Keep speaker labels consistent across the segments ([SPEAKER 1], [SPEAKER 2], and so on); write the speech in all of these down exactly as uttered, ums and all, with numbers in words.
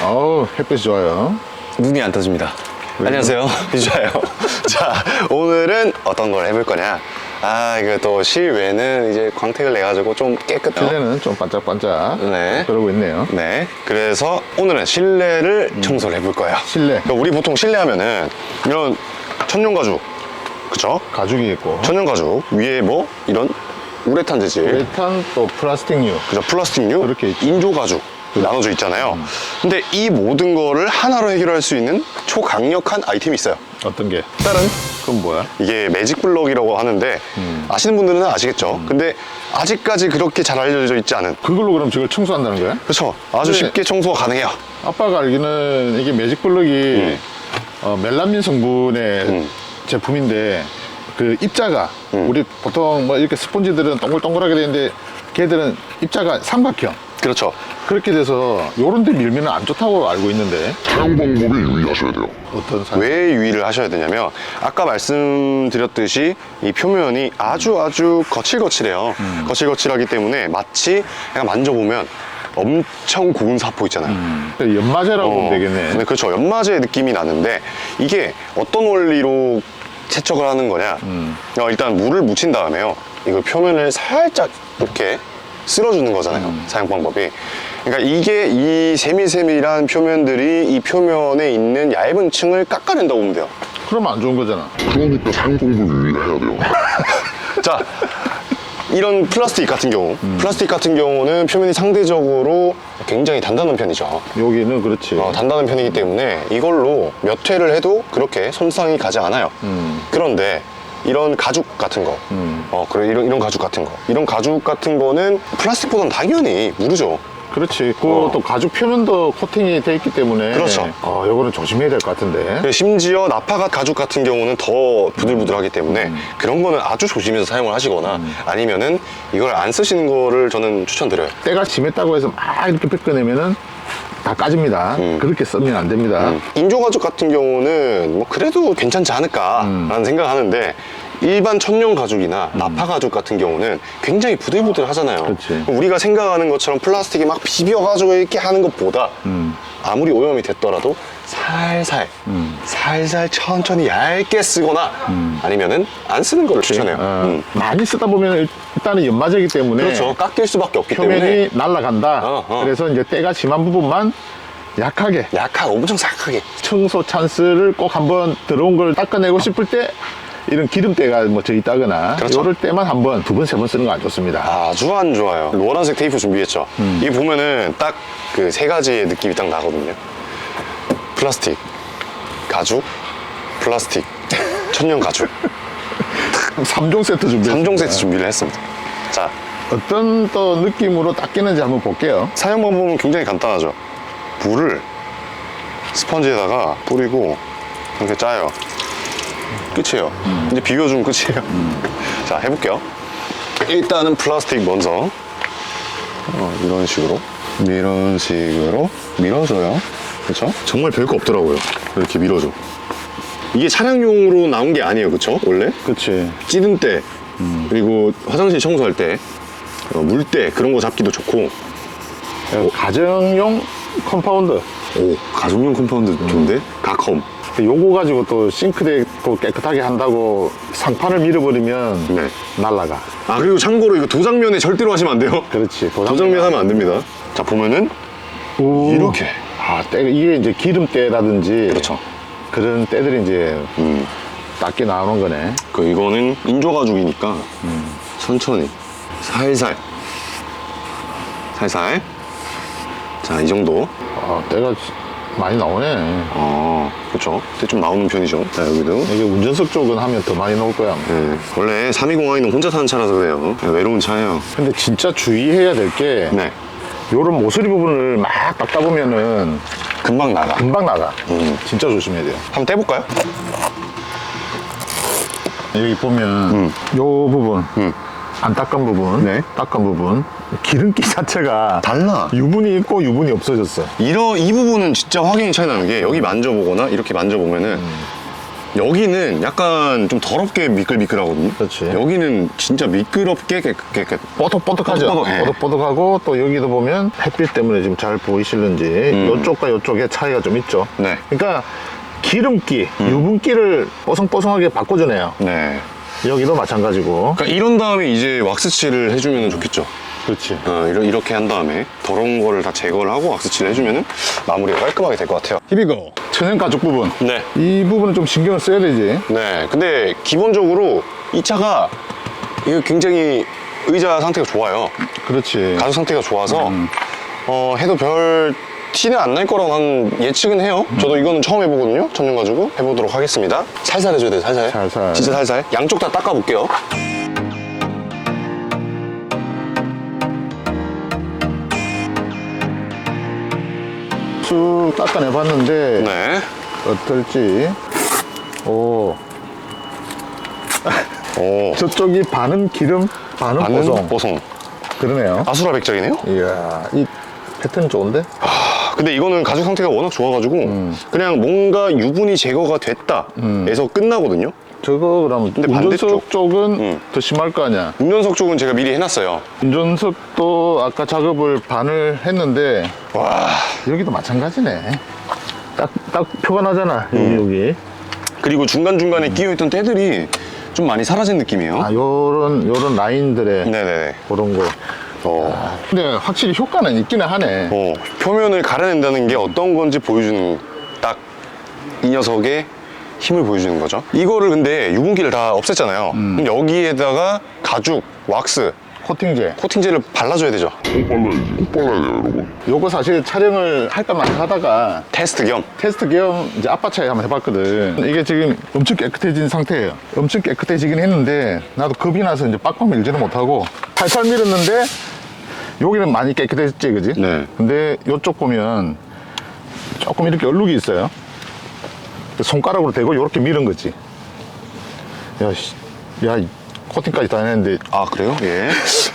[SPEAKER 1] 어우, 햇빛이 좋아요.
[SPEAKER 2] 눈이 안 떠집니다. 안녕하세요. 비주아요. 자, 오늘은 어떤 걸 해볼 거냐. 아, 이거 또 실외는 이제 광택을 내가지고 좀 깨끗해요.
[SPEAKER 1] 실내는 좀 반짝반짝
[SPEAKER 2] 네.
[SPEAKER 1] 그러고 있네요.
[SPEAKER 2] 네. 그래서 오늘은 실내를
[SPEAKER 1] 음.
[SPEAKER 2] 청소를 해볼 거예요.
[SPEAKER 1] 실내.
[SPEAKER 2] 그러니까 우리 보통 실내 하면은 이런 천연 가죽, 그쵸?
[SPEAKER 1] 가죽이 있고
[SPEAKER 2] 천연 가죽 위에 뭐 이런 우레탄 재질,
[SPEAKER 1] 우레탄 또 플라스틱류.
[SPEAKER 2] 그죠? 플라스틱류,
[SPEAKER 1] 그렇게 있죠.
[SPEAKER 2] 인조 가죽 나눠져 있잖아요.
[SPEAKER 1] 음.
[SPEAKER 2] 근데 이 모든 거를 하나로 해결할 수 있는 초강력한 아이템이 있어요.
[SPEAKER 1] 어떤 게?
[SPEAKER 2] 다른
[SPEAKER 1] 그건 뭐야?
[SPEAKER 2] 이게 매직 블럭이라고 하는데
[SPEAKER 1] 음.
[SPEAKER 2] 아시는 분들은 아시겠죠. 근데 아직까지 그렇게 잘 알려져 있지 않은,
[SPEAKER 1] 그걸로 그럼 저걸 청소한다는 거야?
[SPEAKER 2] 그렇죠. 아주
[SPEAKER 1] 네.
[SPEAKER 2] 쉽게 청소가 가능해요.
[SPEAKER 1] 아빠가 알기는 이게 매직 블럭이
[SPEAKER 2] 음.
[SPEAKER 1] 어, 멜라민 성분의
[SPEAKER 2] 음.
[SPEAKER 1] 제품인데 그 입자가
[SPEAKER 2] 음.
[SPEAKER 1] 우리 보통 뭐 이렇게 스펀지들은 동글동글하게 되는데 걔들은 입자가 삼각형
[SPEAKER 2] 그렇죠.
[SPEAKER 1] 그렇게 돼서 요런 데 밀면 안 좋다고 알고 있는데
[SPEAKER 3] 사용 방법에 유의하셔야 돼요.
[SPEAKER 1] 어떤 사람?
[SPEAKER 2] 왜 유의를 하셔야 되냐면 아까 말씀드렸듯이 이 표면이 아주 아주 거칠거칠해요.
[SPEAKER 1] 음.
[SPEAKER 2] 거칠거칠하기 때문에 마치 그냥 만져보면 엄청 고운 사포 있잖아요.
[SPEAKER 1] 연마제라고 보면 되겠네.
[SPEAKER 2] 네, 그렇죠. 연마제 느낌이 나는데 이게 어떤 원리로 세척을 하는 거냐.
[SPEAKER 1] 음.
[SPEAKER 2] 어, 일단 물을 묻힌 다음에요. 이걸 표면을 살짝 이렇게 쓸어주는 거잖아요.
[SPEAKER 1] 음.
[SPEAKER 2] 사용 방법이. 그러니까 이게 이 세밀세밀한 표면들이 이 표면에 있는 얇은 층을 깎아낸다고 보면 돼요.
[SPEAKER 1] 그러면 안 좋은 거잖아.
[SPEAKER 3] 그러니까 사용 방법에 유의해야 돼요.
[SPEAKER 2] 자, 이런 플라스틱 같은 경우,
[SPEAKER 1] 음.
[SPEAKER 2] 플라스틱 같은 경우는 표면이 상대적으로 굉장히 단단한 편이죠.
[SPEAKER 1] 여기는 그렇지.
[SPEAKER 2] 어, 단단한 편이기 때문에 이걸로 몇 회를 해도 그렇게 손상이 가지 않아요.
[SPEAKER 1] 음.
[SPEAKER 2] 그런데 이런 가죽 같은 거,
[SPEAKER 1] 음.
[SPEAKER 2] 어, 그래, 이런, 이런 가죽 같은 거, 이런 가죽 같은 거는 플라스틱보다는 당연히 무르죠.
[SPEAKER 1] 그렇지. 그또
[SPEAKER 2] 어.
[SPEAKER 1] 가죽 표면도 코팅이 돼 있기 때문에
[SPEAKER 2] 그렇죠.
[SPEAKER 1] 어, 요거는 조심해야 될 것 같은데.
[SPEAKER 2] 그리고 심지어 나파 가죽 같은 경우는 더 부들부들하기 때문에
[SPEAKER 1] 음.
[SPEAKER 2] 그런 거는 아주 조심해서 사용을 하시거나 아니면은 이걸 안 쓰시는 거를 저는 추천드려요.
[SPEAKER 1] 때가 심했다고 해서 막 이렇게 뺏겨내면은 다 까집니다.
[SPEAKER 2] 음.
[SPEAKER 1] 그렇게 쓰면 안 됩니다.
[SPEAKER 2] 인조 가죽 같은 경우는 뭐 그래도 괜찮지 않을까라는
[SPEAKER 1] 음.
[SPEAKER 2] 생각하는데 일반 천연 가죽이나 나파 가죽 같은 경우는 굉장히 부들부들 하잖아요.
[SPEAKER 1] 그치.
[SPEAKER 2] 우리가 생각하는 것처럼 플라스틱이 막 비벼가지고 이렇게 하는 것보다
[SPEAKER 1] 음.
[SPEAKER 2] 아무리 오염이 됐더라도 살살,
[SPEAKER 1] 음.
[SPEAKER 2] 살살 천천히 얇게 쓰거나 아니면은 안 쓰는 걸 추천해요.
[SPEAKER 1] 어,
[SPEAKER 2] 음.
[SPEAKER 1] 많이 쓰다 보면 일단은 연마제이기 때문에
[SPEAKER 2] 그렇죠. 깎일 수밖에 없기
[SPEAKER 1] 표면이
[SPEAKER 2] 때문에
[SPEAKER 1] 날아간다.
[SPEAKER 2] 어, 어.
[SPEAKER 1] 그래서 이제 때가 심한 부분만 약하게
[SPEAKER 2] 약하게 엄청 싹하게.
[SPEAKER 1] 청소 찬스를 꼭 한번 들어온 걸 닦아내고 싶을 때 이런 기름때가 뭐 져 있다거나
[SPEAKER 2] 그렇죠.
[SPEAKER 1] 이럴 때만 한번 두 번, 세 번 쓰는 거 안 좋습니다.
[SPEAKER 2] 아주 안 좋아요. 노란색 테이프 준비했죠.
[SPEAKER 1] 음.
[SPEAKER 2] 이게 보면은 딱 그 세 가지의 느낌이 딱 나거든요. 플라스틱, 가죽, 플라스틱, 천연 가죽.
[SPEAKER 1] 삼 종 세트 준비했습니다.
[SPEAKER 2] 삼 종 세트 준비를 했습니다. 자,
[SPEAKER 1] 어떤 또 느낌으로 닦이는지 한번 볼게요.
[SPEAKER 2] 사용 방법은 굉장히 간단하죠. 물을 스펀지에다가 뿌리고 이렇게 짜요. 끝이에요. 이제 비벼주면 끝이에요. 자, 해볼게요. 일단은 플라스틱 먼저 어, 이런 식으로 이런 식으로 밀어줘요. 그렇죠? 정말 별거 없더라고요. 이렇게 밀어줘. 이게 차량용으로 나온 게 아니에요, 그렇죠? 원래
[SPEAKER 1] 그치.
[SPEAKER 2] 찌든 때 그리고 화장실 청소할 때 어, 물때 그런 거 잡기도 좋고.
[SPEAKER 1] 가정용 컴파운드.
[SPEAKER 2] 오, 가정용 컴파운드 좋은데? 가컴.
[SPEAKER 1] 요거 가지고 또 싱크대 또 깨끗하게 한다고 상판을 밀어버리면
[SPEAKER 2] 네.
[SPEAKER 1] 날라가.
[SPEAKER 2] 아, 그리고 참고로 이거 도장면에 절대로 하시면 안 돼요.
[SPEAKER 1] 그렇지.
[SPEAKER 2] 도장면 하면 안 됩니다. 자, 보면은
[SPEAKER 1] 오.
[SPEAKER 2] 이렇게.
[SPEAKER 1] 아, 때, 이게 이제 기름때라든지.
[SPEAKER 2] 그렇죠.
[SPEAKER 1] 그런 때들이 이제
[SPEAKER 2] 음.
[SPEAKER 1] 닦게 나오는 거네.
[SPEAKER 2] 그 이거는 인조 가죽이니까 천천히 살살 살살. 자, 이 정도.
[SPEAKER 1] 아, 때가 많이 나오네.
[SPEAKER 2] 아, 그렇죠. 근데 좀 나오는 편이죠. 자, 여기도.
[SPEAKER 1] 이게 운전석 쪽은 하면 더 많이 나올 거야.
[SPEAKER 2] 네. 원래 삼이공아이는 혼자 사는 차라서 그래요. 외로운 차예요.
[SPEAKER 1] 근데 진짜 주의해야 될 게
[SPEAKER 2] 네.
[SPEAKER 1] 요런 모서리 부분을 막 닦다 보면은
[SPEAKER 2] 금방 나가.
[SPEAKER 1] 금방 나가.
[SPEAKER 2] 음.
[SPEAKER 1] 진짜 조심해야 돼요.
[SPEAKER 2] 한번 떼볼까요?
[SPEAKER 1] 여기 보면
[SPEAKER 2] 음.
[SPEAKER 1] 요 부분
[SPEAKER 2] 음.
[SPEAKER 1] 안 닦은 부분,
[SPEAKER 2] 네.
[SPEAKER 1] 닦은 부분 기름기 자체가
[SPEAKER 2] 달라.
[SPEAKER 1] 유분이 있고 유분이 없어졌어.
[SPEAKER 2] 이러, 이 부분은 진짜 확연히 차이 나는 게 여기 만져보거나 이렇게 만져보면은 여기는 약간 좀 더럽게 미끌미끌하거든요.
[SPEAKER 1] 그렇지.
[SPEAKER 2] 여기는 진짜 미끄럽게 깨끗, 깨끗.
[SPEAKER 1] 뽀득뽀득하죠.
[SPEAKER 2] 뽀득뽀득, 예.
[SPEAKER 1] 뽀득뽀득하고 또 여기도 보면 햇빛 때문에 지금 잘 보이실는지
[SPEAKER 2] 음.
[SPEAKER 1] 이쪽과 이쪽에 차이가 좀 있죠.
[SPEAKER 2] 네.
[SPEAKER 1] 그러니까 기름기, 유분기를 뽀송뽀송하게 바꿔주네요.
[SPEAKER 2] 네.
[SPEAKER 1] 여기도 마찬가지고.
[SPEAKER 2] 그러니까 이런 다음에 이제 왁스칠을 해주면 좋겠죠.
[SPEAKER 1] 그렇지.
[SPEAKER 2] 어, 이러- 이렇게 한 다음에 더러운 거를 다 제거를 하고 왁스칠을 해주면 마무리가 깔끔하게 될 것 같아요. 히비고.
[SPEAKER 1] 천연 가죽 부분.
[SPEAKER 2] 네.
[SPEAKER 1] 이 부분은 좀 신경을 써야 되지.
[SPEAKER 2] 네. 근데 기본적으로 이 차가 이거 굉장히 의자 상태가 좋아요.
[SPEAKER 1] 그렇지.
[SPEAKER 2] 가죽 상태가 좋아서 어, 해도 별 티는 안 날 거라고 한 예측은 해요. 저도 이거는 처음 해보거든요. 천연 가지고 해보도록 하겠습니다. 살살 해줘야 돼요. 살살.
[SPEAKER 1] 살살.
[SPEAKER 2] 진짜 살살. 양쪽 다 닦아볼게요.
[SPEAKER 1] 쭉 닦아내봤는데
[SPEAKER 2] 네.
[SPEAKER 1] 어떨지. 오,
[SPEAKER 2] 오.
[SPEAKER 1] 저쪽이 반은 기름, 반은
[SPEAKER 2] 반은
[SPEAKER 1] 뽀송.
[SPEAKER 2] 뽀송.
[SPEAKER 1] 그러네요.
[SPEAKER 2] 아수라 백작이네요.
[SPEAKER 1] 이야, 이 패턴 좋은데?
[SPEAKER 2] 근데 이거는 가죽 상태가 워낙 좋아가지고
[SPEAKER 1] 음.
[SPEAKER 2] 그냥 뭔가 유분이 제거가 됐다 에서 끝나거든요.
[SPEAKER 1] 저거 그럼
[SPEAKER 2] 근데
[SPEAKER 1] 운전석
[SPEAKER 2] 반대쪽.
[SPEAKER 1] 쪽은
[SPEAKER 2] 음.
[SPEAKER 1] 더 심할 거 아니야.
[SPEAKER 2] 운전석 쪽은 제가 미리 해놨어요.
[SPEAKER 1] 운전석도 아까 작업을 반을 했는데
[SPEAKER 2] 와.
[SPEAKER 1] 여기도 마찬가지네. 딱, 딱 표가 나잖아. 여기,
[SPEAKER 2] 음.
[SPEAKER 1] 여기.
[SPEAKER 2] 그리고 중간중간에 끼어있던 때들이 좀 많이 사라진 느낌이에요.
[SPEAKER 1] 아, 요런, 요런 라인들의
[SPEAKER 2] 네네네.
[SPEAKER 1] 그런 거.
[SPEAKER 2] 어.
[SPEAKER 1] 근데 확실히 효과는 있기는 하네.
[SPEAKER 2] 어, 표면을 가려낸다는 게 어떤 건지 보여주는 딱 이 녀석의 힘을 보여주는 거죠. 이거를 근데 유분기를 다 없앴잖아요.
[SPEAKER 1] 음.
[SPEAKER 2] 그럼 여기에다가 가죽, 왁스,
[SPEAKER 1] 코팅제.
[SPEAKER 2] 코팅제를 발라줘야 되죠.
[SPEAKER 3] 꼭 발라야지. 꼭 발라야 돼요, 여러분.
[SPEAKER 1] 요거 사실 촬영을 할까 말까 하다가
[SPEAKER 2] 테스트 겸.
[SPEAKER 1] 테스트 겸 이제 아빠 차에 한번 해봤거든. 이게 지금 엄청 깨끗해진 상태예요. 엄청 깨끗해지긴 했는데 나도 겁이 나서 이제 빡빡 밀지는 못하고 살살 밀었는데 여기는 많이 깨끗해졌지, 그지?
[SPEAKER 2] 네.
[SPEAKER 1] 근데 이쪽 보면 조금 이렇게 얼룩이 있어요. 손가락으로 대고 이렇게 밀은 거지. 야, 씨, 야, 이 코팅까지 다 했는데.
[SPEAKER 2] 아, 그래요? 예.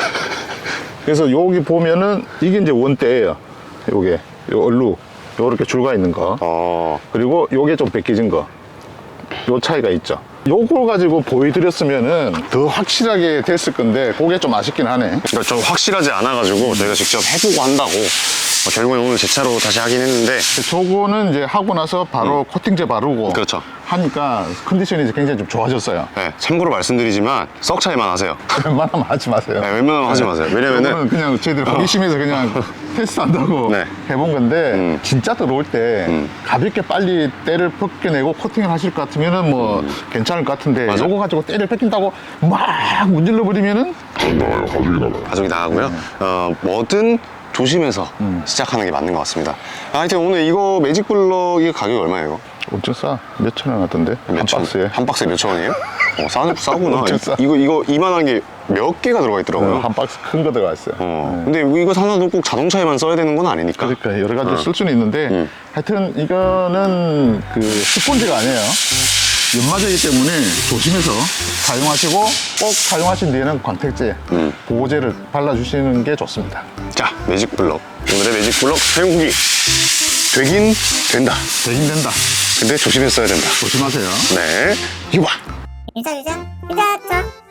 [SPEAKER 1] 그래서 여기 보면은 이게 이제 원대예요. 요게 요 얼룩 요렇게 줄가 있는 거.
[SPEAKER 2] 어,
[SPEAKER 1] 그리고 요게 좀 벗겨진 거. 요 차이가 있죠. 요걸 가지고 보여드렸으면은 더 확실하게 됐을 건데 그게 좀 아쉽긴 하네.
[SPEAKER 2] 그러니까 좀 확실하지 않아가지고 저희가 직접 해보고 한다고 어, 결국엔 오늘 제 차로 다시 하긴 했는데
[SPEAKER 1] 저거는 이제 하고 나서 바로 코팅제 바르고
[SPEAKER 2] 그렇죠.
[SPEAKER 1] 하니까 컨디션이 이제 굉장히 좀 좋아졌어요.
[SPEAKER 2] 네, 참고로 말씀드리지만 썩 차이만 하세요.
[SPEAKER 1] 웬만하면 하지 마세요.
[SPEAKER 2] 네, 웬만하면 하지 마세요. 왜냐면은
[SPEAKER 1] 이거는 그냥 저희들이 호기심에서 그냥 테스트한다고
[SPEAKER 2] 네.
[SPEAKER 1] 해본 건데
[SPEAKER 2] 음.
[SPEAKER 1] 진짜 들어올 때
[SPEAKER 2] 음.
[SPEAKER 1] 가볍게 빨리 때를 벗겨내고 코팅을 하실 것 같으면은 뭐 괜찮을 것 같은데
[SPEAKER 2] 맞아.
[SPEAKER 1] 요거 가지고 때를 벗긴다고 막 문질러 버리면은
[SPEAKER 3] 안 나와요. 가죽이 나와요.
[SPEAKER 2] 가족이 나가고요. 어, 뭐든 조심해서 시작하는 게 맞는 것 같습니다. 아, 하여튼 오늘 이거 매직 블럭 이거 가격이 얼마예요? 이거?
[SPEAKER 1] 엄청 싸. 몇천 원 같던데 한
[SPEAKER 2] 몇 천?
[SPEAKER 1] 박스에.
[SPEAKER 2] 한 박스에 몇천 원이에요? 어, 싸, 싸구나.
[SPEAKER 1] 엄청 싸.
[SPEAKER 2] 이거, 이거 이만한 게 몇 개가 들어가 있더라고요.
[SPEAKER 1] 어, 한 박스 큰 거 들어가 있어요.
[SPEAKER 2] 어. 근데 이거 사놔도 꼭 자동차에만 써야 되는 건 아니니까.
[SPEAKER 1] 그러니까 여러 가지 쓸 수는 있는데
[SPEAKER 2] 음.
[SPEAKER 1] 하여튼 이거는 그 스펀지가 아니에요. 연마제이기 때문에 조심해서 사용하시고 꼭 사용하신 뒤에는 광택제,
[SPEAKER 2] 음.
[SPEAKER 1] 보호제를 발라주시는 게 좋습니다.
[SPEAKER 2] 자, 매직 블럭. 오늘의 매직 블럭 사용 후기. 되긴 된다.
[SPEAKER 1] 되긴 된다.
[SPEAKER 2] 근데 조심해서 써야 된다.
[SPEAKER 1] 조심하세요.
[SPEAKER 2] 네. 이거 봐.
[SPEAKER 4] 유자 유자 유자차